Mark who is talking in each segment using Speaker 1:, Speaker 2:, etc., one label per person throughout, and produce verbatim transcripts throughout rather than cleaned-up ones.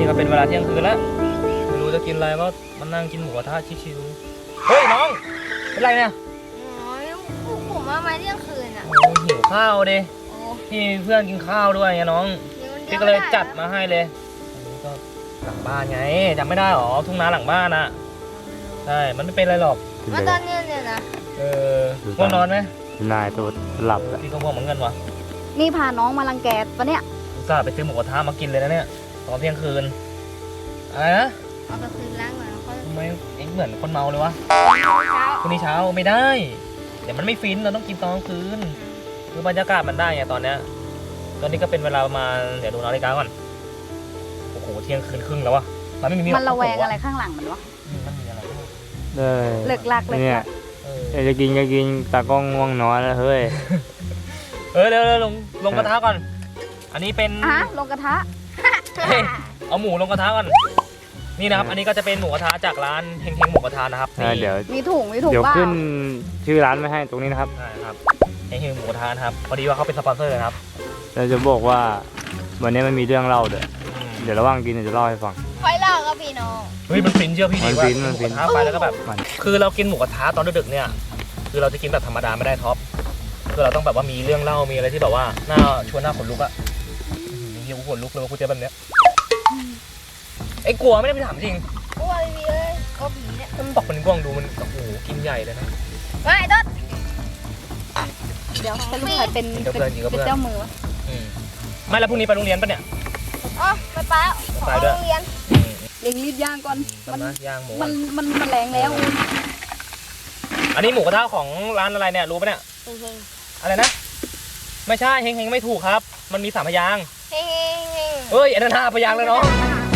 Speaker 1: ก็เป็นเวลาเที่ยงคืนแล้วไม่รู้จะกินอะไรก็มานั่งกินหมูกระทะชิวๆเฮ้ยน้องเป็นไรเนี่ย
Speaker 2: อ๋อผมมามาเที่ยงคืนอ่ะ
Speaker 1: โอ้หิวข้าวดิพี่เพื่อนกินข้าวด้วยไงน้องพี่ก็เลยจัดมาให้เลยอันนี้ก็หลังบ้านไงจำไม่ได้หรอทุ่งนาหลังบ้านอ่ะใช่มันไม่เป็นไรหรอก
Speaker 2: มาตอนนี้เนี่ยนะ
Speaker 1: เออง่วงนอนไหม
Speaker 3: นายตัวหลับ
Speaker 1: พี่ก็ง่วงเหมือนกันวะ
Speaker 4: นี่พาน้องมารังแกปะเนี่ย
Speaker 1: อุตส่าห์ไปซื้อหมูกระทะมากินเลยนะเนี่ยตอนเที่ยงคืนอะไรนะ
Speaker 2: เอาไปคืนล้างหน่อยเขา
Speaker 1: ทำไมเอ็งเหมือนคนเมาเลยวะพรุ่งนี้เช้าไม่ได้เดี๋ยวมันไม่ฟินเราต้องกินตอนกลางคืนคือบรรยากาศมันได้ไงตอนเนี้ยตอนนี้ก็เป็นเวลาประมาณเดี๋ยวดูนาฬิกาก่อนโอ้โหเที่ยงคืนครึ่งแล้ววะมันไม่มี
Speaker 4: มันระแวงอะไรข้างหลังมันวะ
Speaker 1: มันมีอะไร
Speaker 4: เลิกลักเลย
Speaker 3: เนี่ยจะกินก็กินตากล้องง่วงนอนแล้วเฮ้ย
Speaker 1: เออเดี๋ยวลงลงกระทะก่อนอันนี้เป็น
Speaker 4: อ่ะลงกระทะ
Speaker 1: เอาหมูลงกระทะก่อนนี่นะครับอันนี้ก็จะเป็นหมูกระทะจากร้านเฮงเฮงหมูกระทะนะครับ
Speaker 3: เดี๋ยว
Speaker 4: มีถุงมีถุง
Speaker 3: เดี๋ยวขึ้นชื่อร้านไว้ให้ตรงนี้นะครับ
Speaker 1: ใช่ครับเฮงเฮงหมูกระทะนะครับพอดีว่าเขาเป็นสปอนเซอร์นะครับ
Speaker 3: เราจะบอกว่าวันนี้มันมีเรื่องเล่าเดี๋ยวเดี๋ยวระหว่างกินจะเล่าให้ฟัง
Speaker 2: ค่อยเล่าครับพี่น้อง
Speaker 1: เฮ้ยมันฟินเชื่อพี่ดีว่า
Speaker 3: หมูก
Speaker 1: ระทะไปแล้วก็แบบคือเรากินหมูกระทะตอนดึกๆเนี่ยคือเราจะกินแบบธรรมดาไม่ได้ท็อปคือเราต้องแบบว่ามีเรื่องเล่ามีอะไรที่แบบว่าน่าชวนหน้าขนลุกอะมีเหี้ยขนลุกเลยว่ากูเจอแบบเนี้ยไอ้กลัวไม่ได้ไปถามจริง
Speaker 2: กลัวเลยเลยกลัวผีเนี่ย
Speaker 1: มันบอกมันกว้างดูมันโอ้โหกินใหญ่เลยนะ
Speaker 2: ไม่ต้น
Speaker 4: เดี๋ยวเป็นลูกใครเป็นเป็นเจ้ามือวะ
Speaker 1: ไม่แล้วพรุ่งนี้ไปโรงเรียนปะเนี่ย
Speaker 2: อ๋อไปป้าไปโรงเรียน
Speaker 4: เล็งรีบย่างก่อน
Speaker 1: มันย่างหมู
Speaker 4: มันมันมันแรงแล้ว
Speaker 1: อันนี้หมูกระทะของร้านอะไรเนี่ยรู้ปะเนี่ยอะไรนะไม่ใช่เฮงเฮงไม่ถูกครับมันมีสามพยาง
Speaker 2: เฮงเฮง
Speaker 1: เฮ้ยอันนั้นห้าพยางเลยเนาะ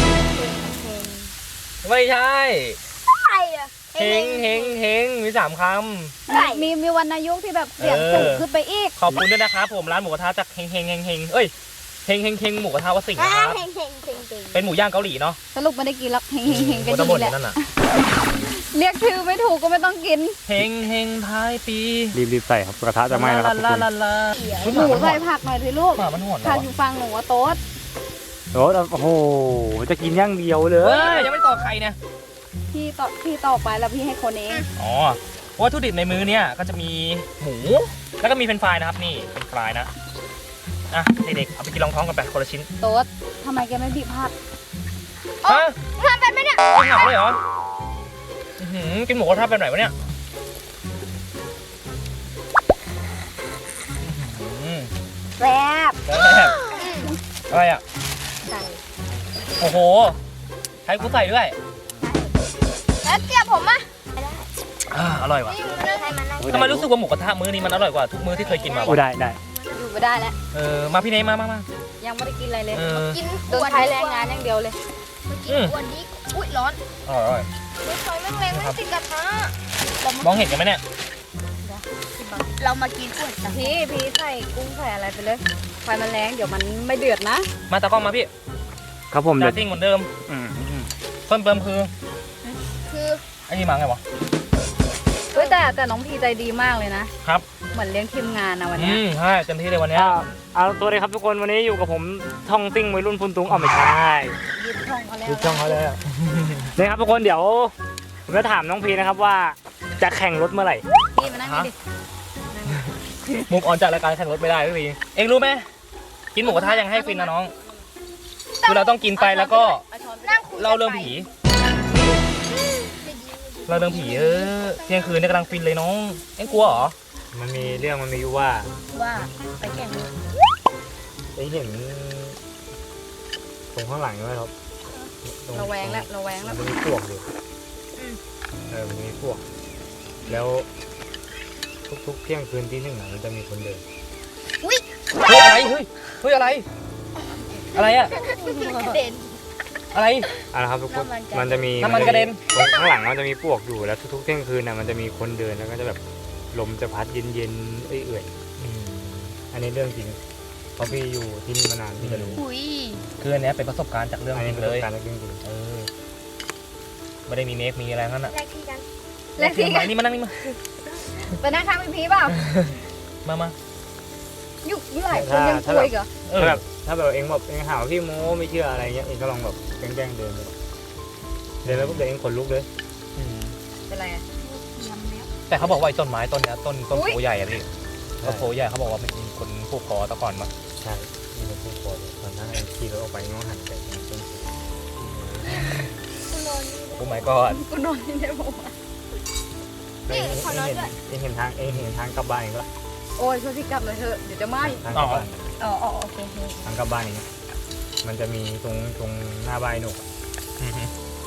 Speaker 1: ไม่ใช่เฮงเฮงเฮงมีสามค
Speaker 4: ำมีมีวรรณยุกต์ที่แบบเสียงสูงขึ้นไปอีก
Speaker 1: ขอบคุณด้วยนะครับผมร้านหมูกระทะจากเฮงเฮงเฮงเฮงเอ้ยเฮงเฮงเฮงหมูกระทะวัดสิงห์นะครับเป็นหมูย่างเกาหลีเนาะ
Speaker 4: สรุปไม่ได้กินแล้วเฮงเฮงเฮงกัน
Speaker 1: ดีแหละ
Speaker 4: เรียกชื่อไม่ถูกก็ไม่ต้องกิน
Speaker 1: เฮงเฮงท้ายปี
Speaker 3: รีบรีบใส่ครับกระทะจะไหม้แล้วครับ
Speaker 4: หมูใส่ผักหน่อยสิลูก
Speaker 1: ผั
Speaker 4: กอยู่ฟังหนูว่าโต๊ด
Speaker 3: โต๊ดโอ้โหจะกินย่างเดียวเลย
Speaker 1: ยังไม่ต่อใครเนี่ย
Speaker 4: พี่ต่อพี่ต่อไปแล้วพี่ให้คนเอง
Speaker 1: อ๋อวัตถุดิบในมือเนี่ยก็จะมีหมูแล้วก็มีเป็นฟรายนะครับนี่เป็นฟรายนะอ่ะเด็กๆเอาไปกินรองท้องกันไปคนละชิ้น
Speaker 4: โต๊ดทำไมแกไม่บีบผัก
Speaker 1: ฮะ
Speaker 2: ทำแบบไหนเนี่ย
Speaker 1: ไม่หักเลยเหรอกินหมูกระทะแบบไหนวะเนี่ย
Speaker 4: แซ่บ
Speaker 1: แซ่บอะไรอ่ะโอ้โหให้กูใส่ด้วย
Speaker 2: แล้วเจียบผมอ่ะ
Speaker 1: อ่าอร่อยว่ะทำไมรู้สึกว่าหมูกระทะมื้อนี้มันอร่อยกว่าทุกมื้อที่เคยกินมา
Speaker 3: ได้ได้
Speaker 4: อยู่ไม่ได้แล้ว
Speaker 1: เออมาพี่เนยมามามา
Speaker 4: ยังไม่ได้กินอะไรเลย
Speaker 2: กิน
Speaker 4: โดนใช้แรงงานอย่างเดียวเลย
Speaker 2: กินวันนี้อุ้ยร้อน
Speaker 1: อร่อย
Speaker 2: ไม่คอยแม่งแรงไม่ติดกระทะ
Speaker 1: มองเห็นกันไหมเนี่ย
Speaker 2: เรามากินกุ้ง
Speaker 4: พี่พี่ใส่กุ้งใส่อะไรไปเลยไฟมันแรงเดี๋ยวมันไม่เดือดนะ
Speaker 1: มาตะกล้องมาพี่
Speaker 3: ครับผม
Speaker 1: จะติ้งเหมือนเดิมเพิ่มเติมคือ
Speaker 2: คือ
Speaker 1: ไอ้นี่มาไงวะ
Speaker 4: เฮ้ยแต่แต่น้องพีใจดีมากเลยนะครับเหมือนเลี้ยงทีมงานนะวันนี้
Speaker 1: ใช่เต็มที่เลยวันนี้
Speaker 3: เอาตัวเลยครับทุกคนวันนี้อยู่กับผมท่องซิ่งวัยรุ่นพุนตุงเอาไม่ใช่
Speaker 4: ยึดช่องเขาแล้ว
Speaker 3: ยึดช่องเขาแล้วนี่ครับทุกคนเดี๋ยวผมจะถามน้องพีนะครับว่าจะแข่งรถเมื่อไหร่
Speaker 4: พี่มานั่งดิ
Speaker 1: มุมออนจากรายการแข่งรถไม่ได้พี่พีเอ็งรู้ไหมกินหมูกระทะยังให้ฟินนะน้องคือเราต้องกินไปแล้วก็เล่าเรื่องผีเราเรื่องผีเออเที่ยงคืนนี่กำลังฟินเลยน้องเอ็งกลัวเหรอ
Speaker 3: มันมีเรื่องมันมีอยู่ว่า
Speaker 2: ว่าไปแข่ง
Speaker 3: ไอ้เห็นตรงข้างหลังใช่ไหมครับ
Speaker 4: ระแวงแล้วระแวงแล้ว
Speaker 3: มันมีพวกอยู่เออมันมีพวกแล้วทุกๆเที่ยงคืนที่หนึ่งมันจะมีคนเดิน
Speaker 2: อุ้ย
Speaker 1: เฮ้ยอะไรเฮ้ยเฮ้ยอะไรอะไรอะ
Speaker 2: เด่น
Speaker 1: อะไร
Speaker 3: อะไรครับทุกคนมันจะมี
Speaker 1: น้ำมันกระเด็น
Speaker 3: ข้างหลังมันจะมีพวกอยู่แล้วทุกๆเที่ยงคืนน่ะมันจะมีคนเดินแล้วก็จะแบบลมจะพัดเย็นๆเอื่อยๆอันนี้เรื่องจริงเพราะพี่อยู่ที่นี่มานานพี่จะรู้
Speaker 1: คืออันนี้เป็นประสบการณ์จากเรื่องจริงเลย
Speaker 3: การเรื่องจริง
Speaker 1: เออไม่ได้มีเมคมีอะไรนั่นน่ะ
Speaker 2: แลกที่กัน
Speaker 4: แลกที่กัน
Speaker 1: นี่มานั่งนี่มา
Speaker 4: ไปนั่งข้างพี่พีเปล่า
Speaker 1: มามา
Speaker 4: ยุกยุกหลายคนยังคุยเหรอ
Speaker 3: แบบถ้าแบบเองแบบเองหาว่าพี่โม้ไม่เชื่ออะไรเงี้ยเองก็ลองแบบแกล้งๆเดินไปเดินแล้วปุ๊บเดี๋ยวเองขนลุกเลย
Speaker 1: อืม
Speaker 4: เป็นไรอะ
Speaker 2: เยี่ยมแล้ว
Speaker 1: แต่เขาบอกว่าไอ้ต้นไม้ต้นเนี้ยต้นต้น
Speaker 4: อุ๊ย
Speaker 1: โพใหญ่อะพี่ต้นโพใหญ่เขาบอกว่ามันมีคนผูกคอตะก่อนมา
Speaker 3: ใช่นี่เป็นผู้คนตอนนั้นเองขี่รถออกไปง้อหันไปตรงต้นสูง
Speaker 2: กูนอนนี่
Speaker 1: โอ้ my god
Speaker 4: กูนอนที่ไหนบอกว่า
Speaker 3: เองเองเห็นเองเห็นทางเองเห็นทางกลับบ้านเองละ
Speaker 4: โอ้ยช่วยพี่กลับเลยเถอะเดี๋ยวจะไหม้
Speaker 3: ทางกลับบ้าน
Speaker 2: อ๋ออ๋อโอเคโอเค
Speaker 3: ทางกลับบ้านอย่างเงี้ยมันจะมีตรงตรงหน้าบ้านหนูกอะ
Speaker 1: อือฮึ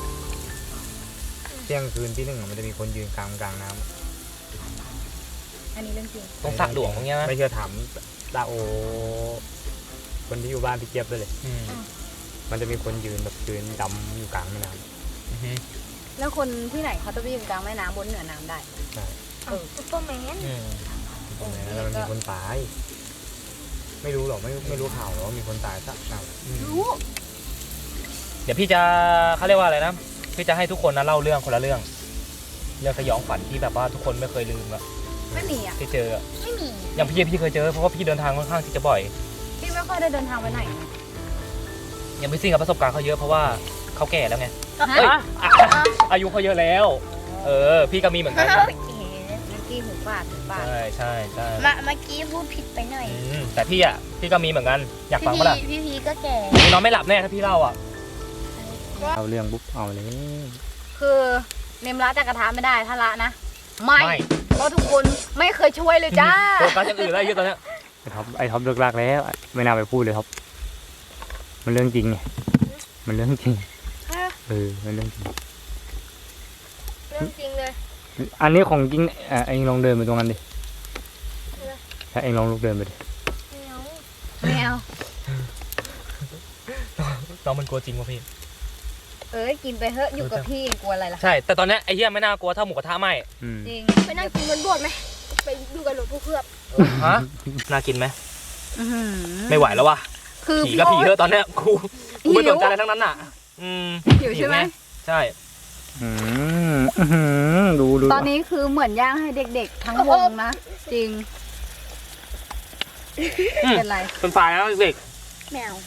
Speaker 3: เที่ยงคืนที่หนึ่งอะมันจะมีคนยืนกลางกลางน้
Speaker 4: อันนี้เรื่องจริง
Speaker 3: ำ
Speaker 1: ตรงสระหลวงตรงเนี้ยนะ
Speaker 3: ไม่เชื่อถามตาโอ คนที่อยู่บ้านพี่เจี๊ยบด้วยเลย
Speaker 1: อืม
Speaker 3: มันจะมีคนยืนแบบยืนดำอยู่กลางแม่น้
Speaker 1: อือฮึ
Speaker 4: แล้วคนที่ไหนเขาจะไปอยู่กลางแม่น้ำบนเหนือน้ำได้
Speaker 3: ำใช่
Speaker 4: เออ
Speaker 2: ซุปเปอร์แมน
Speaker 1: อืม
Speaker 3: ตรงนั้นแล้วมันมีคนตาย ไม่รู้หรอกไม่ไม่รู้ข่าวหรอกว่ามีคนตายสักหน่อย
Speaker 1: อืม
Speaker 2: รู้
Speaker 1: เดี๋ยวพี่จะเขาเรียกว่าอะไรนะพี่จะให้ทุกคนนะเล่าเรื่องคนละเรื่อง เรื่องสยองขวัญที่แบบว่าทุกคนไม่เคยลืมอะ
Speaker 4: ไม่มีอ่ะ
Speaker 1: ที่เจออะ
Speaker 2: ไม่มี
Speaker 1: อย่างพี่พี่เคยเจอเพราะว่าพี่เดินทางค่อนข้างที่จะบ่อย
Speaker 4: พี่ไม่ค่อยได้เดินทางไปไหน
Speaker 1: อย่างพี่ซิ่งกับประสบการณ์เขาเยอะเพราะว่าเขาแก่แล้วไง
Speaker 4: ฮะ
Speaker 1: เอ้ยอายุเขาเยอะแล้ว เออ พี่ก็มีเหมือนกัน
Speaker 2: โอเค
Speaker 4: เมื่อกี้หูฝาดหูฝาด
Speaker 1: ใช่ใช่ใช่
Speaker 2: มาเมื่อกี้พูดผิดไปหน่อย
Speaker 1: อืมแต่พี่อ่ะพี่ก็มีเหมือนกันอยากฟัง
Speaker 2: พี่
Speaker 1: ปะล่ะ
Speaker 2: พี่พีก็แก่
Speaker 1: พี่นอนไม่หลับแน่ถ้าพี่เล่าอ่ะ
Speaker 3: เอาเรื่องปุ๊บเอาเลย
Speaker 4: คือเนมละจากกระทะไม่ได้ถ้าละนะ ไม่
Speaker 1: ไม่
Speaker 4: เพราะทุกคนไม่เคยช่วยเลยจ้า
Speaker 1: โฟกัสอย่างอื่นแล้วเยอะตอนเนี้ย
Speaker 3: ไอ้ท็อปไอ้ท็อปเลิกลากแล้วไม่น่าไปพูดเลยท็อปมันเรื่องจริงไงมันเรื่องจริงเออมันเรื่องจริง
Speaker 2: เรื่องจริงเลย
Speaker 3: อันนี้ของจริงเอ่อเองลองเดินไปตรงนั้นดิถ้าเองลองลุกเดินไปดิ
Speaker 2: ไม่เอา
Speaker 4: แมว
Speaker 1: น้องมันกลัวจริงป่ะพี่
Speaker 4: เอ้ยกินไปเถอะอยู่กับพี่กลัวอะไรล่ะ
Speaker 1: ใช่ แต่ตอนเนี้ยไอ้เหี้ยไม่น่ากลัวเท่าหมูกระทะไหม
Speaker 3: อืม
Speaker 4: จริง
Speaker 2: ไปนั่งกินบนโบสถ์ไหมไปดูกันหลวงพ่อเคลือบ
Speaker 1: ฮะน่ากินไหม
Speaker 4: อื้อหือ
Speaker 1: ไม่ไหวแล้ววะ
Speaker 4: คือ
Speaker 1: ผีก็ผีเถอะตอนเนี้ยกูกูไม่
Speaker 4: หิ
Speaker 1: ส
Speaker 4: ว
Speaker 1: นใจอะไรทั้งนั้นอ่ะ อืม
Speaker 4: หิวใช่ไหม
Speaker 1: งใช่
Speaker 3: อืมอื้อหือดูดู
Speaker 4: ตอนนี้คือเหมือนย่างให้เด็กๆ ทั้งวงนะ จริง
Speaker 1: อืม
Speaker 4: เป็นไร
Speaker 1: เป็นฝ่ายนะเด็ก
Speaker 2: แมว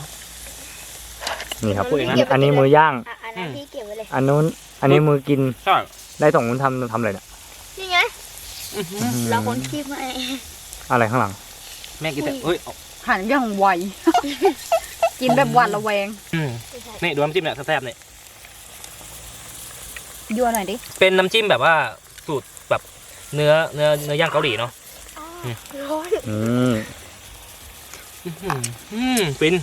Speaker 3: นี่ครับ
Speaker 1: พูดเองนะ
Speaker 3: อันนี้มือย่าง
Speaker 2: อ่ะอันนั้นพี่เก็บไว้เลย
Speaker 3: อันนู้นอันนี้มือกิน
Speaker 1: ใช่
Speaker 3: ได้สองคนทำทำอะไรเนี่ย
Speaker 2: นี่ไง เราคนคีบมา
Speaker 3: อะไรข้างหลัง
Speaker 1: แม่กินแต่เฮ้ยเอา
Speaker 4: หันอย่างไว กินแบบหวาดระแวง
Speaker 1: อืมนี่ดูน้ำจิ้มเนี่ยแซ่บๆเนี่ย
Speaker 4: ยั่วหน่อยดิ
Speaker 1: เป็นน้ำจิ้มแบบว่าสูตรแบบเนื้อเนื้อเนื้อย่างเกาหลีเนาะ
Speaker 2: ร้อน
Speaker 3: อืม
Speaker 1: อื้อหืออืมฟิน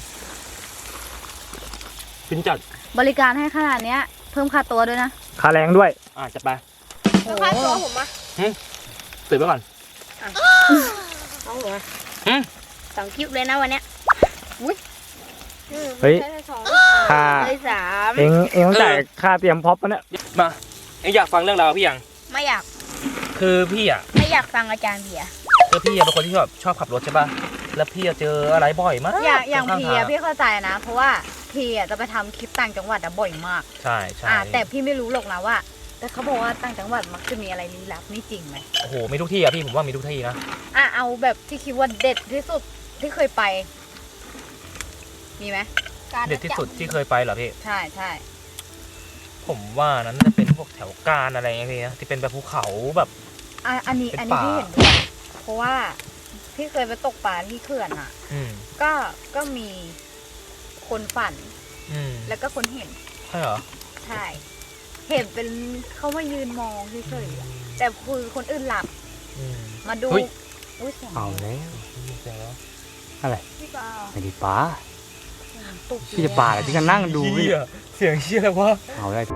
Speaker 1: ฟินจัด
Speaker 4: บริการให้ขนาดเนี้ย เพิ่มค่าตัวด้วยนะ
Speaker 3: ค่าแรงด้วย
Speaker 1: อ่ะจัดไป
Speaker 2: แล้วค่าตัวผมอ่ะ
Speaker 1: ตื่นไปก่อน
Speaker 2: เอาหัว
Speaker 1: หืม
Speaker 2: สองคลิปเลยนะวันเนี้ยอุ้ย
Speaker 3: เฮ้ย
Speaker 2: ได้สอง
Speaker 3: ค่า
Speaker 2: ได้สาม
Speaker 3: เองเองต้องจ่ายค่าเตรียมพร็อพปะเนี่ย
Speaker 1: มาเอ็งอยากฟังเรื่องราวพี่ยัง
Speaker 2: ไม่อยาก
Speaker 1: คือพี่อ่ะ
Speaker 2: ไม่อยากฟังอาจารย์เบียร์
Speaker 1: คือพี่อะเป็นคนที่ชอบชอบขับรถใช่ป่ะแล้วพี่อะเจออะไรบ่อยมาก
Speaker 4: อย่างอย่าง
Speaker 1: ข้
Speaker 4: พี
Speaker 1: ท
Speaker 4: อะพี่เข้าใจนะ เพราะว่าพีอะจะไปทำคลิปต่างจังหวัดอะบ่อยมาก
Speaker 1: ใช่ใช่
Speaker 4: อ่าแต่พี่ไม่รู้หรอกนะว่า แต่เขาบอกว่าต่างจังหวัดมักจะมีอะไรลี้ลับนี่จริงไหม
Speaker 1: โอ้โหมีทุกที่อะพี่ผมว่ามีทุกที่นะ
Speaker 4: อ่ะเอาแบบที่คิดว่าเด็ดที่สุดที่เคยไป มีไหม
Speaker 2: การ
Speaker 1: เด็ดที่สุดที่เคยไปเหรอพี่
Speaker 4: ใช่ใช่
Speaker 1: ผมว่านั้นจะเป็นพวกแถวกาญอะไรเงี้ยพี่นะที่เป็นแบบภูเขาแบบ
Speaker 4: อ่ะอันนี้
Speaker 1: เป็น
Speaker 4: อันนี้
Speaker 1: ป่า
Speaker 4: พี่เห็นด้วยเพราะว่าพี่เคยไปตกปลาที่เขื่อนอ่ะ
Speaker 1: อืม
Speaker 4: ก็ก็มีคนฝัน
Speaker 1: อืม
Speaker 4: แล้วก็คนเห็น
Speaker 1: ใช่เหรอ
Speaker 4: ใช่ เห็นเป็นเขามายืนมองเฉยๆอะแต่คือคนอื่นหลับ
Speaker 1: อืม
Speaker 4: มาดู
Speaker 1: เฮ้ย
Speaker 4: อุ้ยเสียง
Speaker 3: เอาแล้ว
Speaker 1: เสียงแล้ว
Speaker 2: พี่เปล่า
Speaker 3: ไม่ได้ป้า
Speaker 4: ตุก
Speaker 3: พี่จะป่าอะไรพี่ก็นั่งดู
Speaker 1: เชี่ยเสียงเชี่ยอะไรวะ
Speaker 3: เอาได้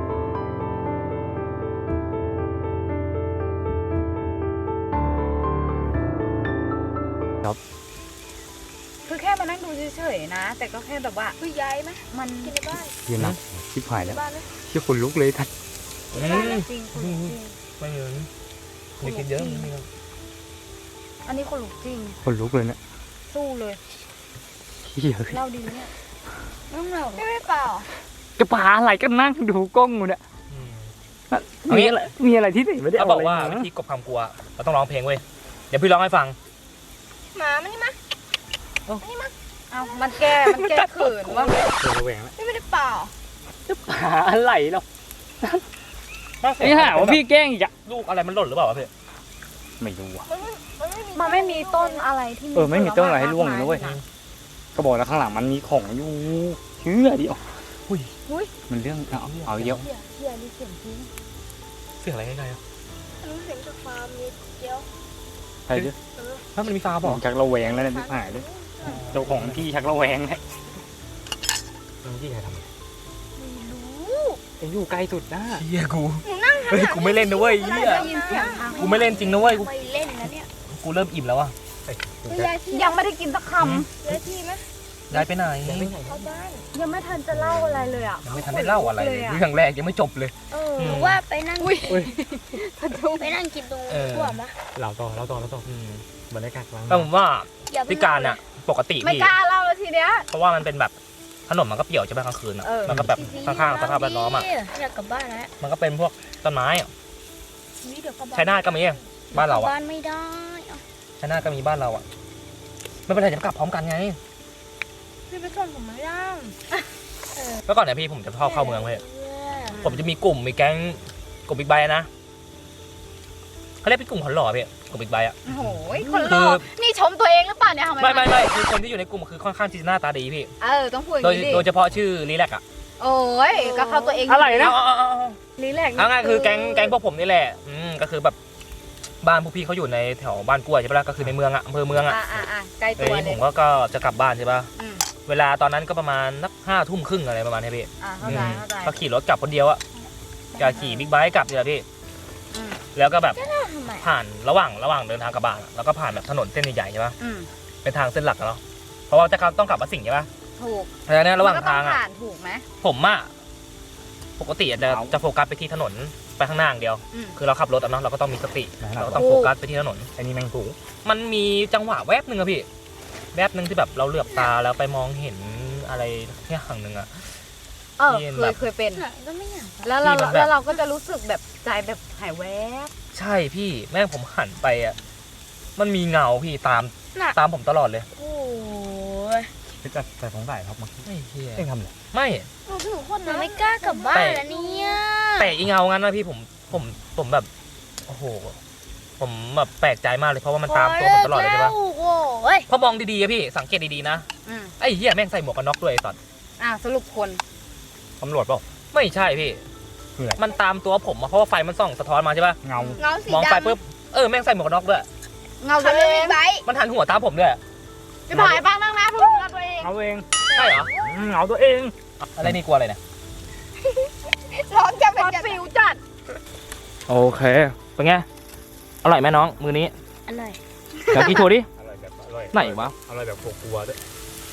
Speaker 4: คือแค่มานั่งดูเฉยๆนะ แต่ก็แค่แบบว่า
Speaker 2: คุยย้ายไหม
Speaker 4: มัน
Speaker 2: กินในบ้าน
Speaker 3: ยืนนับชิบหายแล้ว
Speaker 2: บ้านเลย
Speaker 3: ที่คนลุกเลยทัด
Speaker 1: อื
Speaker 4: บ้าน
Speaker 1: ม
Speaker 4: จริงคนลุกจริง
Speaker 1: ไม่เยอะอย่าคิดเยอะไม่เยอะ
Speaker 4: อันนี้คนลุกจริง
Speaker 3: คนลุกเลยเนี่ย
Speaker 4: สู้เลย
Speaker 3: เหี้ย
Speaker 4: เล่าดีไหมเนี่ยไม่ต้องเล่าหรอก
Speaker 2: ไม่เปล่า
Speaker 3: จะป่าอะไรก็นั่งดูกล้องอยู่เนี่ย
Speaker 1: อืม
Speaker 3: มีอะไรมีอะไรที่ไหนไม่ได้
Speaker 1: เขา
Speaker 3: เอา
Speaker 1: บอก
Speaker 3: อะไร
Speaker 1: ว่า
Speaker 3: มา
Speaker 1: วิธีกบความกลัวเราต้องร้องเพลงเว้ยเดี๋ยวพี่ร้องให้ฟัง
Speaker 2: หมามันนี่มา
Speaker 4: เอามันแก้มันแก้เขินว่า
Speaker 3: เจอระแวงแล้ว
Speaker 4: ไม่ได้เปล่า
Speaker 3: จะหาอะไรหรอกนี่หาว่าพี่แกล้งอีกอะ
Speaker 1: ลูกอะไรมันหล่นหรือเปล่าวะพี่
Speaker 3: ไม่รู้อะ
Speaker 4: มันไม่มีต้นอะไรที่
Speaker 3: เออไม่มีต้นอะไรให้ร่วงเลยนะเว้ยก็บอกแล้วข้างหลังมันมีของอยู่เชื่อดิอ๋ออุ้ยมันเรื่องเอาเอาเยอะ
Speaker 2: เหี้ยเหี้ยนี่เสียงจริง
Speaker 1: เสียงอะไรใกล้ๆอ่ะ
Speaker 2: รู้เสียงจากฟาร์มนิดเดียว
Speaker 3: ใช่ดิ
Speaker 1: ถ้ามันมีฟา
Speaker 3: ผ
Speaker 1: บอก
Speaker 3: มชักระแวงแล้วเนี่ยหายเลยเจ้าของที่ชักระแวงแล้วที่ใครทำ
Speaker 2: ไม่รู้
Speaker 3: เอ็งอยู่ใกล้สุดนะ
Speaker 1: เฮียกูเฮ้ยกูไม่เล่นนะเว้ยเฮีย
Speaker 2: ได้ยินเสียงทาง
Speaker 1: กูไม่เล่นจริงนะเว้ยกู
Speaker 2: ไม่เล่นนะเนี่ย
Speaker 1: กูเริ่มอิ่มแล้วอ่ะ
Speaker 2: ย้ายที่
Speaker 4: ยังไม่ได้กินสักค
Speaker 2: ย้ายที่ไหม
Speaker 1: ย้ายไปไหน
Speaker 2: เข้าบ้าน
Speaker 4: ำยังไม่ทันจะเล่าอะไรเลยอ่ะ
Speaker 1: ยังไม่ทันได้เล่าอะไรเลยเรื่องแรกยังไม่จบเลย
Speaker 2: เออ
Speaker 1: อืม
Speaker 2: หรือว่าไปนั่ง
Speaker 4: พะทุง
Speaker 2: ไปนั่งกินตรง
Speaker 1: เออ
Speaker 2: ทั่วมะ
Speaker 3: เราต่อเราต่อเราต่อ
Speaker 1: อืม
Speaker 3: บรรยากาศกลาง
Speaker 1: แต่ผมว่า
Speaker 2: อย่า
Speaker 1: พิการอ่ะปกติ
Speaker 4: ไม่
Speaker 1: พี่
Speaker 4: กล้าเล่าแล้วทีเนี้ย
Speaker 1: เพราะว่ามันเป็นแบบถนนมันก็เปี่ยวใช่ไหมกลางคืนอ่ะ
Speaker 4: เออ
Speaker 1: มันก็แบบข้างๆสภาพแวดล้อมอ่ะ
Speaker 2: อยากกลับบ้านแล้ว
Speaker 1: มันก็เป็นพวกต้นไม้อ่ะ
Speaker 2: นี่เดี๋ยวกลับบ้าน
Speaker 1: ชัยนาทก็มีบ้านเรา
Speaker 2: กลั
Speaker 1: อ่ะ
Speaker 2: บ้านไม่ได้เอา
Speaker 1: ชัยนาทก็มีบ้านเราอ่ะไม่เป็นไรจะกลับพร้อมกันไง
Speaker 2: พี่ไปส่งผมไม่ได้
Speaker 1: เมื่อก่อนเนี่ยพี่ผมจะชอบเข้าเมืองเลยผมจะมีกลุ่มมีแก๊งกลุ่มบิ๊กไบค์นะเขาเรียกเป็นกลุ่มคนหล่อพี่กลุ่มบิ๊กไบค์อ่ะ
Speaker 4: โอ้โหคนหล่อนี่ชมตัวเองหรือเปล่าเนี่ยทำไม
Speaker 1: ไม่ไม่ไม่คือคนที่อยู่ในกลุ่มคือค่อนข้างที่จะหน้าตาดีพี่
Speaker 4: เออต้องพูดอย่า
Speaker 1: โด
Speaker 4: ง
Speaker 1: ย
Speaker 4: นี้ดิ
Speaker 1: โดยเฉพาะชื่อรีแลกอ่ะ
Speaker 4: โอ้ยก็เข้าตัวเอง
Speaker 3: อะไรนะ
Speaker 1: เอาเอาเอาเอา
Speaker 4: นี่แหละ
Speaker 1: เอาง่ายคือแก๊งแก๊งพวกผมนี่แหละอืมก็คือแบบบ้านพวกพี่เขาอยู่ในแถวบ้านกล้วยใช่ปะล่ะก็คือในเมืองอ่ะอำเภอเมืองอ่ะ
Speaker 4: อ่าอ่าอ่าใกล้
Speaker 1: เอ
Speaker 4: ตัว
Speaker 1: อ
Speaker 4: เล
Speaker 1: ผ
Speaker 4: ย
Speaker 1: มก็ก็จะกลับบ้านใช่ปะ
Speaker 4: อืม
Speaker 1: เวลาตอนนั้นก็ประมาณนักห้าทุ่มครึ่งอะไรประมาณนี้พี่
Speaker 4: อ่าเข้าใจเข้าใจ
Speaker 1: ก็ขี่รถกลับคนเดียวอะจะขี่บิ๊กไบค์กลับเนี่ยพี่
Speaker 4: อืม
Speaker 1: แล้วก็แบบ
Speaker 2: ทำไม
Speaker 1: ผ่านระหว่างระหว่างเดินทางกลับบ้านอะแล้วก็ผ่านแบบถนนเส้นใหญ่ๆใช่ปะ
Speaker 4: อืม
Speaker 1: เป็นทางเส้นหลักอะเนาะเพราะว่าจะต้องกลับมาสิงห์ใช่ปะ
Speaker 4: ถูก
Speaker 1: แล้วเนี่ยระหว่าง
Speaker 4: มันก็ต้
Speaker 1: ทา
Speaker 4: อง
Speaker 1: งอะ
Speaker 4: ผ่านถูกไหม
Speaker 1: ผมอะปกติอะจะจะโฟกัสไปที่ถนนไปข้างหน้าอย่างเดียว
Speaker 4: อืม
Speaker 1: คือเราขับรถอะเนาะเราก็ต้องมีสติเราก็ต้องโฟกัสไปที่ถนน
Speaker 3: อันนี้แมงปู
Speaker 1: มันมีจังหวะแวบหนึ่งอะพี่แวบหนึ่งที่แบบเราเหลือบตาแล้วไปมองเห็นอะไรอย่างหนึ่งอะ
Speaker 4: เออ
Speaker 1: ที่
Speaker 4: เค
Speaker 1: แบ
Speaker 4: ย
Speaker 1: บ
Speaker 4: เคยเป็น
Speaker 2: หนังก็ไม่อยาก
Speaker 4: แล้วเรา
Speaker 1: ที่มันแบบ
Speaker 4: แล้วเราก็จะรู้สึกแบบใจแบบหายแวบ
Speaker 1: ใช่พี่แม่งผมหันไปอะมันมีเงาพี่ตาม
Speaker 2: หนัก
Speaker 1: ตามผมตลอดเลย
Speaker 2: โอ้ย
Speaker 3: พี่จัดแต่ของใส่ครับเมื่อกี้
Speaker 1: ไอ้เหี้ย
Speaker 3: เอ็งทำอะไร
Speaker 1: ไม่
Speaker 2: หนูถึงคนนะไม่กล้ากลับบ้านแล้วเนี่ย
Speaker 1: แต่อีเงางั้นนะพี่ผมผมผมแบบโอ้โหผมแบบแปลกใจมากเลยเพราะว่ามันตามตัวผมตลอดเลยใช่ปะ
Speaker 2: โอ้ย
Speaker 1: พอมองดีๆอะพี่สังเกตดีๆนะ
Speaker 4: อืม
Speaker 1: ไอ้เหี้ยแม่งใส่หมวกกันน็อกด้วยไอ้สัตว์
Speaker 4: อ่าสรุปคน
Speaker 3: ตำรวจเปล่า
Speaker 1: ไม่ใช่พี่
Speaker 3: คืออะไร
Speaker 1: มันตามตัวผมอะเพราะว่าไฟมันส่องสะท้อนมาใช่ปะ
Speaker 3: เงา
Speaker 2: เงาสี
Speaker 1: มองไป
Speaker 2: ดำ
Speaker 1: ปุ๊บเออแม่งใส่หมวกกันน็อกด้วย
Speaker 4: เงา
Speaker 2: ขั
Speaker 4: ตั
Speaker 2: บ
Speaker 4: ว
Speaker 2: รถ
Speaker 4: เอ
Speaker 2: บิ๊
Speaker 4: ง
Speaker 2: กไบค์
Speaker 1: มันหันหัวตามผมด้วย
Speaker 4: จะผ่ายบ้างนั่งนะเพื่อนเงาตัวเอง
Speaker 3: เงาเอง
Speaker 1: ใช่เหรอ
Speaker 3: อืมเงาตัวเอง
Speaker 1: อะไรนี่กลัวอะไรเนี่ย
Speaker 2: ร้อนจะ
Speaker 4: ค
Speaker 2: เป็น
Speaker 4: อน
Speaker 2: จะ
Speaker 4: ฟิวจัด
Speaker 1: โอเคเป็นไงอร่อยไหมน้องมือนี้
Speaker 2: อร่อย
Speaker 1: เดี๋ยวกินโชว์ดิ
Speaker 3: อร่อยแบบอร่อย
Speaker 1: ไหนวะ
Speaker 3: อร่อยแบบกลัวๆด้วย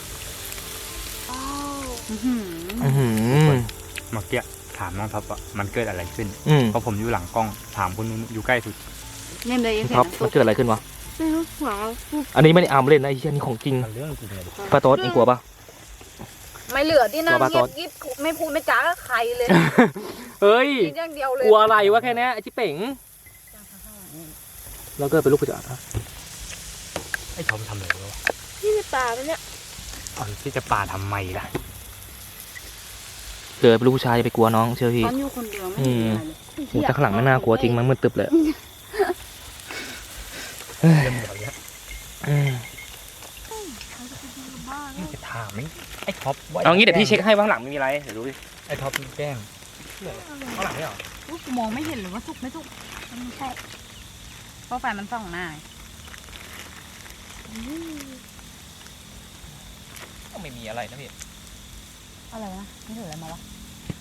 Speaker 4: อื้อหือ
Speaker 1: อือหือ
Speaker 3: เมื่อกี้ถามน้องท็อปว่ามันเกิดอะไรขึ้น
Speaker 1: อืม
Speaker 3: เพราะผมอยู่หลังกล้องถามคนนู้นอยู่ใกล้สุด
Speaker 4: เนี่ยเลยเห็น
Speaker 1: ครับ
Speaker 4: น้ำ
Speaker 1: มั
Speaker 4: ซุ
Speaker 1: น
Speaker 4: ป
Speaker 1: เกิดอะไรขึ้นวะ
Speaker 2: ไม่รู้หัว
Speaker 1: อันนี้ไม่ได้อามเล่นนะไอ้เหี้ยนี่ของจริง
Speaker 3: มันเรื่องจริงเลยดิ
Speaker 1: ปลาโต๊ดเองกลัวปะ
Speaker 4: ไม่เหลือที่นั่ง
Speaker 1: ตัวปลา
Speaker 4: เงี
Speaker 1: ซ
Speaker 4: ย
Speaker 1: อบ ส
Speaker 4: กิ๊บไม่พูดไม่จ้ากับใครเลย
Speaker 1: เฮ้ย
Speaker 4: กินอย่างเดียวเลย
Speaker 1: กลัวอะไรวะแค่เนี้ยไอ้ชิเป๋งเราเกิดเป็นลูกผู้จัดนะ
Speaker 3: ไอ้ทอมทำอะไรวะ
Speaker 2: ที่ในป่ามันเนี่ย
Speaker 3: เอาที่จะป่าทำไมล่ะ
Speaker 1: เกิดเป็นลูกผู้ชายอย่าไปกลัวน้องเชื่อพี่
Speaker 4: ตอนอยู่คนเดียวไม่เห็นอะไรเลย
Speaker 1: โอ้แต่ข้างหลังไม่น่ากลัวจริงมันมืดตึบเลย
Speaker 3: เรื่องแบบเนี้ย
Speaker 1: อืม
Speaker 3: นี่จะถามไหมไอ้ท็อปว่า
Speaker 1: เอางี้เดี๋ยวพี่เช็คให้ว่าข้างหลังไม่มีอะไรเดี๋ยวดูดิ
Speaker 3: ไอ้ท็อปแกล้ง
Speaker 1: ข้างหลังไม่หรอ
Speaker 4: อุ๊ยกูมองไม่เห็นเลยว่าสุกไม่สุก
Speaker 2: ไม่ใช่
Speaker 4: เพราะไฟมันส่องหน้า
Speaker 1: ก็ไม่มีอะไรนะพี่
Speaker 4: อะไรวะนี่ถืออะไรมาวะ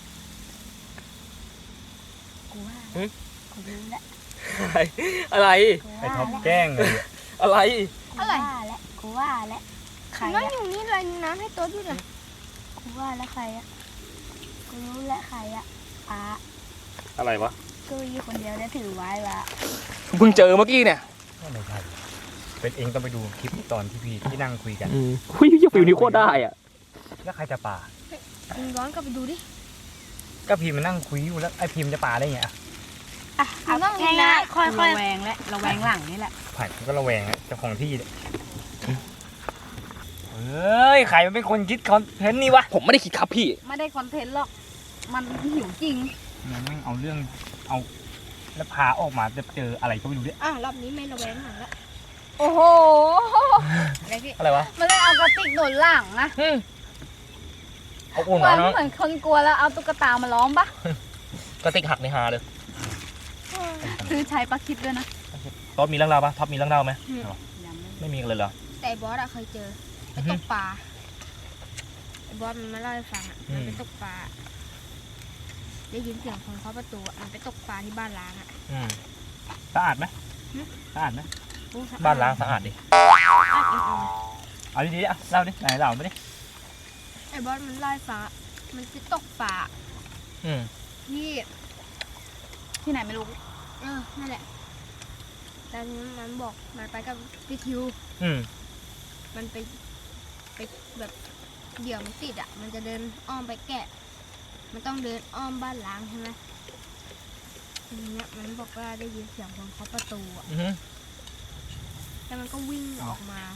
Speaker 2: กูว่า
Speaker 1: หึ
Speaker 2: กูรู้แล้ว
Speaker 1: อะไรอะไร
Speaker 2: กู
Speaker 3: ไอ้
Speaker 2: ว่า
Speaker 3: ท็อป
Speaker 2: แล้ว
Speaker 3: แกล้งเลย
Speaker 1: อะไร
Speaker 2: กูว่าแล้วกูว่าแล้วใครนั่งอยู่นี่เลยน้ำให้ตัวด้วยนะกูว่าแล้วใครอะกูรู้แล้วใครอะอ่ะ
Speaker 1: อะไรวะ
Speaker 2: กูอยู่คนเดียวแล้วถือไว้ละ
Speaker 1: เพิ่งเจอเมื่อกี้เนี่ย
Speaker 3: ไม่ใช่เป็นเองต้องไปดูคลิปตอนที่พี่ที่นั่งคุยกัน
Speaker 1: อืมหุ้ยยังฟิวนี้โคตรได้อ่ะ
Speaker 3: แล้วใครจะป่า
Speaker 2: มึงย้อนกลับไปดูดิ
Speaker 3: ก็พิมพ์มานั่งคุยอยู่แล้วไอ้พิมพ์จะป่าได้ไงอะ
Speaker 2: อ่ะมึงต้องง่ายๆค่อย
Speaker 4: ระแวงและระแวงหลังนี่แหละ
Speaker 3: ผ่านก็ระแวงอะเจ้าของที่เนี่ยเออฮ้ยใครมันเป็นคนคิดคอนเทนต์นี่วะ
Speaker 1: ผมไม่ได้คิดครับพี่
Speaker 4: ไม่ได้คอนเทนต์หรอก มันหิวจริง
Speaker 3: มันแม่งเอาเรื่องเอาแล้วพาออกมาจะเจออะไรก็ไม่รู้เนี่ย
Speaker 2: อ่ะรอบนี้ไม่ระแวงหนังละ
Speaker 4: โอ้โห อะไรพี่
Speaker 1: อะไรวะ
Speaker 4: มันเลยเอากระติกหนุนหลังนะ
Speaker 1: อืมเอาอุ่น
Speaker 4: เหมือน
Speaker 1: เนาะ
Speaker 4: เหมือนคนกลัวแล้วเอาตุ๊กตามาล้อมปะ
Speaker 1: กระติกหักในหาเลย
Speaker 4: ซื้อใช้ปลาคิดด้วยนะ
Speaker 1: ท็อปมีเรื่องราวปะท็อปมีเรื่องราวไหม
Speaker 4: ยังไม่
Speaker 1: ไม่มีกันเลยเหรอ
Speaker 2: แต่บอสอะเคยเจอไปตกปลาไอ้บอสมันมาเล่าให้ฟังอะ
Speaker 1: อืม
Speaker 2: มันไปตกปลาได้ยินเสียงคนเคาะประตูอะมันไปตกปลาที่บ้านล้างอะ
Speaker 1: อืม
Speaker 3: สะอาดไหม
Speaker 2: หึ
Speaker 3: สะอาดไหม
Speaker 2: อู้สะอด
Speaker 1: บ้านล้างสะอาดดิ
Speaker 2: อ่ะอ่ะอ่ะ
Speaker 3: เอาดีๆอ่ะเล่าดิไหนเล่าไม่ดิ
Speaker 2: ไอ้บอสมันเล่าให้ฟังอะมันไปตกปลา
Speaker 1: อืม
Speaker 2: ที่
Speaker 4: ที่ไหนไม่รู้
Speaker 2: เออนั่นแหละตอนนี้มันบอกมันไปกับพี่ทิว
Speaker 1: อืม
Speaker 2: มันไปไปแบบเดี๋ยวมันติดอ่ะ มันจะเดินอ้อมไปแกะ มันต้องเดินอ้อมบ้านล้างใช่ไหมทีเนี้ยมันบอกว่าได้ยินเสียงคนเคาะประตูอ่ะ
Speaker 1: อือฮึ
Speaker 2: แล้วมันก็วิ่งออกมา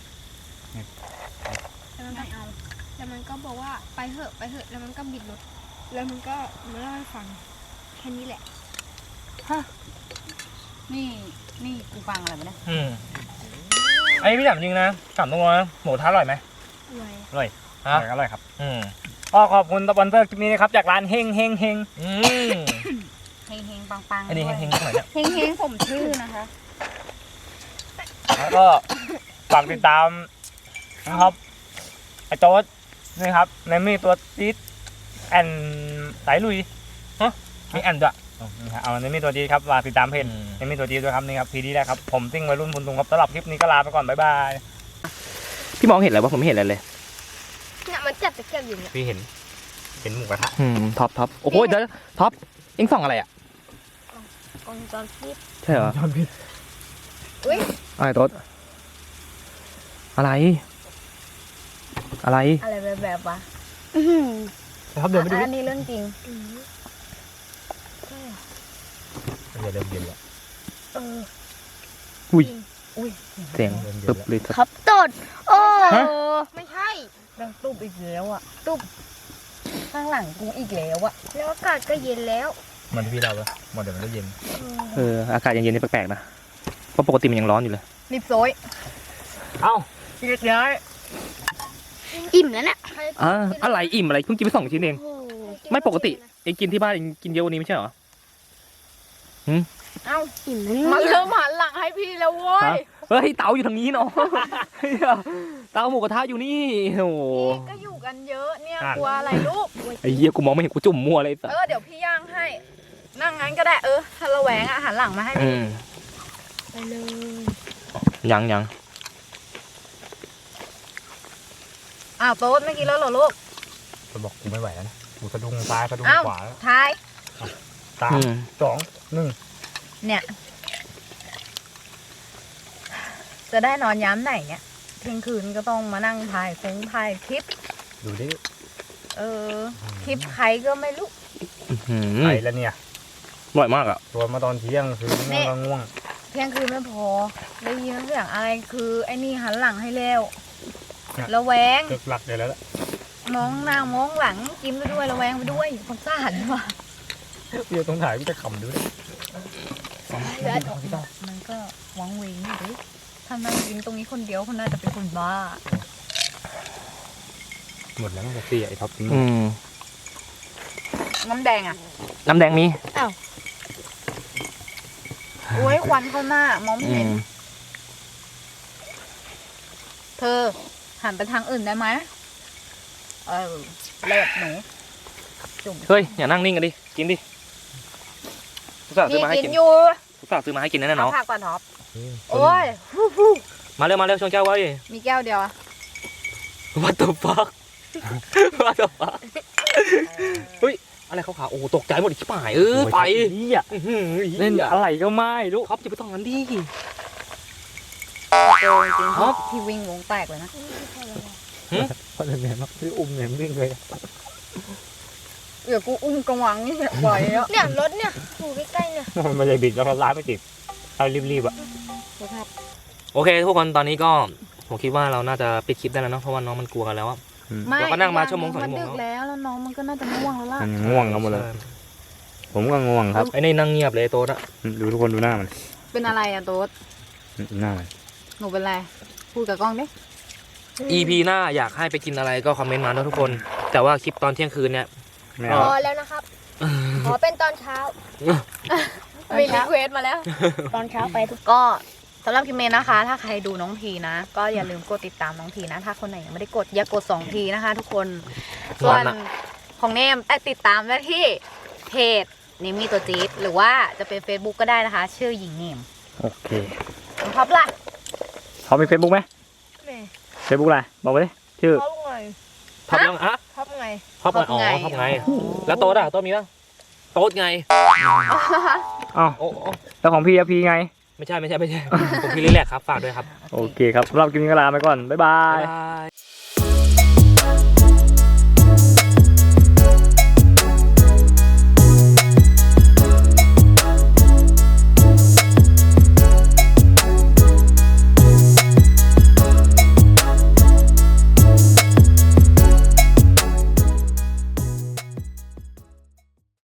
Speaker 2: แล้วมันก็เอาแล้วมันก็บอกว่าไปเหอะไปเหอะแล้วมันก็บิดรถแล้วมันก็มาเล่าให้ฟังแค่นี้แหละ
Speaker 4: นี่ นี่กูฟังอะไรมาเนี่ย
Speaker 1: อืมไอ้พี่ถามจริงนะถามตรงๆนะหมูท้าอร่อยไหม
Speaker 2: รวย
Speaker 1: ฮะ
Speaker 3: อร่อยครับ
Speaker 1: อืม
Speaker 3: ก็ขอบคุณสปอนเซอร์คลิปนี้นะครับจากร้านเฮงเฮงเฮง
Speaker 1: อืม
Speaker 4: เฮงเฮงปังปัง
Speaker 1: อันนี้เฮงๆตรงไหนเนี่ย
Speaker 4: เฮงเฮงผมชื่อนะคะ
Speaker 3: แล้วก็ฝากติดตามนะครับไอโต๊ดนี่ครับในมีตัวจี๊ดแอนสายลุยฮะมีแอนด้วยอ๋อนี่ครับเอาในมีตัวจี๊ดครับฝากติดตามเพจ
Speaker 1: อืม
Speaker 3: ในมีตัวจี๊ดด้วยครับนี่ครับพีดีได้ครับผมซิ่งวัยรุ่นบุญตุงครับสำหรับคลิปนี้ก็ลาไปก่อนบ๊ายบาย
Speaker 1: พี่มองเห็นอะไรวะผมไม่เห็นอะไรเลย
Speaker 2: เนี่ยมันจับตะเกียบอยู่เนี่ย
Speaker 3: พี่เห็นเห็นหมูกระทะ
Speaker 1: อืมท็อปท็อปโอ้โหเดี๋ยวท็อปเอ็งส่องอะไรอ่ะ
Speaker 2: กองจรปิด
Speaker 1: ใช่เหรอ
Speaker 3: จอนพี่
Speaker 2: อุ้ย
Speaker 1: อะไรโต๊ดอะไร อะไร
Speaker 4: อะไรแบบแบบวะ
Speaker 3: ครับเดี๋ยวไปดู
Speaker 4: อันนี้เรื่องจริง
Speaker 2: อืม
Speaker 3: เดี๋ยวเริ่มเย็นแล้ว
Speaker 2: เออ
Speaker 1: อุ้ย
Speaker 4: อุ้ย
Speaker 1: เสียง
Speaker 3: เริ่มเย็น
Speaker 1: ตึบ
Speaker 3: แล้ว
Speaker 1: เลย
Speaker 2: ครับตดโอ้
Speaker 1: ฮะ
Speaker 2: ไม่ใช่
Speaker 4: เรื่องตุบอีกแล้วอ่ะ ตุบข้างหลังกูอีกแล้วอ่ะ
Speaker 2: แล้วอากาศก็เย็นแล้ว
Speaker 3: มันที่พี่เราปะมันเดี๋ยวมันก็เย็น
Speaker 1: เอออากาศเย็นๆนี่แปลกๆนะเพราะปกติมันยังร้อนอยู่เลย
Speaker 4: รีบโซย
Speaker 3: เอ้าเรียกย้าย
Speaker 2: อิ่มแล้วเนี่ย
Speaker 1: อ่าอะไรอิ่มอะไรเพิ่งกินไปสองชิ้นเอง
Speaker 2: โอ้โห
Speaker 1: ไม่ปกติเองกินที่บ้านเองกินเยอะกว่านี้ไม่ใช่เหรอ
Speaker 4: เอ้า
Speaker 2: อิ่มแล้ว
Speaker 4: มัน
Speaker 2: เนี่ย
Speaker 4: เริ่มหันหลังให้พี่แล้วเว้ย
Speaker 1: ฮะ เฮ้ยเตาอยู่ทางนี้เนาะ เฮ้ยเตาหมูกระทะอยู่นี่โอ้โห
Speaker 4: พี่ก็อยู่กันเยอะเนี่ยกลัวอะไรลูก
Speaker 1: ไอ้เหี้ยกูมองไม่เห็นกูจุ่มมั่วเลยสัส
Speaker 4: เออเดี๋ยวพี่ย่างให้ นั่งงั้นก็ได้เออถ้าระแวงอ่ะหันหลังมาให้
Speaker 1: อื
Speaker 4: พี่
Speaker 1: ม
Speaker 2: ไปเลย
Speaker 1: ยังยัง
Speaker 4: อ้าวโต๊ดไม่กินแล้วเหรอลูก
Speaker 3: จะบอกกูไม่ไหวแล้วนะกูสะดุ้งซ้ายสะดุ้ง
Speaker 4: อ้าว
Speaker 3: ขวาแล้ว
Speaker 4: ทาย
Speaker 3: สาม
Speaker 1: อืม
Speaker 3: สองหนึ่ง
Speaker 4: เนี่ย จะได้นอนย้ำไหนเนี่ยเที่ยงคืนก็ต้องมานั่งถ่ายคงถ่ายคลิป
Speaker 3: ดูดิ
Speaker 4: เออ คลิปใครก็ไม่รู้
Speaker 1: อืม
Speaker 3: ไปแล้วเนี่ย
Speaker 1: อร่อยมากอ่ะ
Speaker 3: ตัวมาตอนเที่ยงคือง่วงก็ง่วง
Speaker 4: เที่ยงคืนไม่พอ ได้ยินเสียงอะไรคือไอ้นี่หันหลังให้เร็วระแวง
Speaker 3: เลิกหลักเลยแล้วล่ะ
Speaker 4: มองหน้ามองหลังกินไปด้วยระแวงไปด้วยสงสารว่ะ
Speaker 3: พี่ต้องถ่ายพี่จะขำดูดิ
Speaker 4: มันก็วังเวงอยู่ดิถ้านั่งกินตรงนี้คนเดียวคนน่าจะเป็นคนบ้า
Speaker 3: หมดแล้วมันจะเสียไอ้ท็อปทิ้ง
Speaker 1: อืม
Speaker 4: น้ำแดงอ่ะ
Speaker 1: น้ำแดงมี
Speaker 4: โอ้ยควันเข้าหน้ามองไม่
Speaker 1: อื
Speaker 4: เห็น
Speaker 1: ม
Speaker 4: เธอหันไปทางอื่นได้ไหมเออเลิศหนูจุ่ม
Speaker 1: เฮ้ยอย่านั่งนิ่งกันดิกินดิกูสั่งซื้
Speaker 4: นี่
Speaker 1: อมาให้
Speaker 4: กิ
Speaker 1: กิ
Speaker 4: น
Speaker 1: น
Speaker 4: อยู่
Speaker 1: กูสั่งซื้อมาให้กินแน่ๆ
Speaker 4: เอา
Speaker 1: เนาะ
Speaker 4: ผักก่อนท็อป
Speaker 3: อืม
Speaker 4: โอ้ย
Speaker 1: มาเร็วมาเร็วชงแก้วไว้
Speaker 4: มีแก้วเดียวอะ
Speaker 1: What the fuck What the fuck เฮ้ยอะไรขาวๆโอ้โหตกใจหมดอีกชิบหายเออไป
Speaker 3: นี่อ่ะ
Speaker 1: อื้อหือ
Speaker 3: เล่นอะไรก็ไม่รู้
Speaker 1: ท็อปจะไปต้องนั้นดิ
Speaker 4: โดนจริงๆที่วิ่งวงแตกเลยนะ
Speaker 3: เพราะเนี่ยมันไม่อุ้มเนี่ยวิ่งเลย
Speaker 4: เดี๋ยวกูอุ้มกระวังนี่ไหวแล้ว
Speaker 2: เนี่ยรถเนี่ยอยู่ใกล้ๆเนี่ย
Speaker 3: มันไม่ได้บิดแล้วร้านไม่ติดเอารีบๆอ่ะ
Speaker 1: โอเคทุกคนตอนนี้ก็ผมคิดว่าเราน่าจะปิดคลิปได้แล้วเนาะเพราะว่าน้องมันกลัวกันแล้วอะ
Speaker 4: ไม่
Speaker 1: เราก็นั่งมาชั่วโมงสอง
Speaker 4: มัน
Speaker 1: ชั่วโมง
Speaker 4: ดึกแล้วแล้วน้องมันก็น่าจะง่วงแล้วล่ะ
Speaker 3: มันง่วงกันหมดเลย ผมก็ง่วงครับ
Speaker 1: ไอ้นี่นั่งเงียบเลยโต๊ดอะ
Speaker 3: ดูทุกคนดูหน้ามัน
Speaker 4: เป็นอะไรอะโต๊ด
Speaker 3: หน้ามัน
Speaker 4: หนูเป็นไรพูดกับกล้องดิ
Speaker 1: อี พี หน้าอยากให้ไปกินอะไรก็คอมเมนต์มาด้วยทุกคน แต่ว่าคลิปตอนเที่ยงคืนเนี่ย
Speaker 3: ไม่
Speaker 2: พ
Speaker 3: เอา
Speaker 2: อแล้วนะครับ ขอเป็นตอนเช้า
Speaker 4: มีรีเควสมาแล้ว
Speaker 2: ตอนเช้าไปทุก
Speaker 4: ก็สำหรับคลิปนี้นะคะ ถ้าใครดูน้องพีนะ ก็อย่าลืมกดติดตามน้องพีนะ ถ้าคนไหนยังไม่ได้กดอย่ากดสองทีนะคะ ทุกคนส่วนของเนมแต่ติดตามได้ที่เพจเนมมี่ตัวจี๊ดหรือว่าจะเป็น Facebook ก็ได้นะคะ ชื่อหญิงเนม
Speaker 3: โอเค
Speaker 4: น้องท็อปล่ะ
Speaker 3: เขามีเฟซบุ๊กไหมเฟซบุ๊กอะไรบอกไปดิชื่อ
Speaker 2: ท็อปไง
Speaker 1: ท็อปยังอะ
Speaker 2: ท็อปไง
Speaker 1: ท็อปไงอ๋อท็อปไง แล้วโต๊ดอะโต๊ดมีป่ะโต๊ดไง
Speaker 3: อ้าว
Speaker 1: โอ้โอ้
Speaker 3: แล้วของพี่อะพี่ไง
Speaker 1: ไม่ใช่ไม่ใช่ไม่ใช่ ผมพี่รีแลกซ์ครับฝากด้วยครับ
Speaker 3: โอเคครับสำหรับคลิปนี้ก็ลาไปก่อน บ๊ายบา
Speaker 1: บ๊าย
Speaker 3: ย
Speaker 1: บาย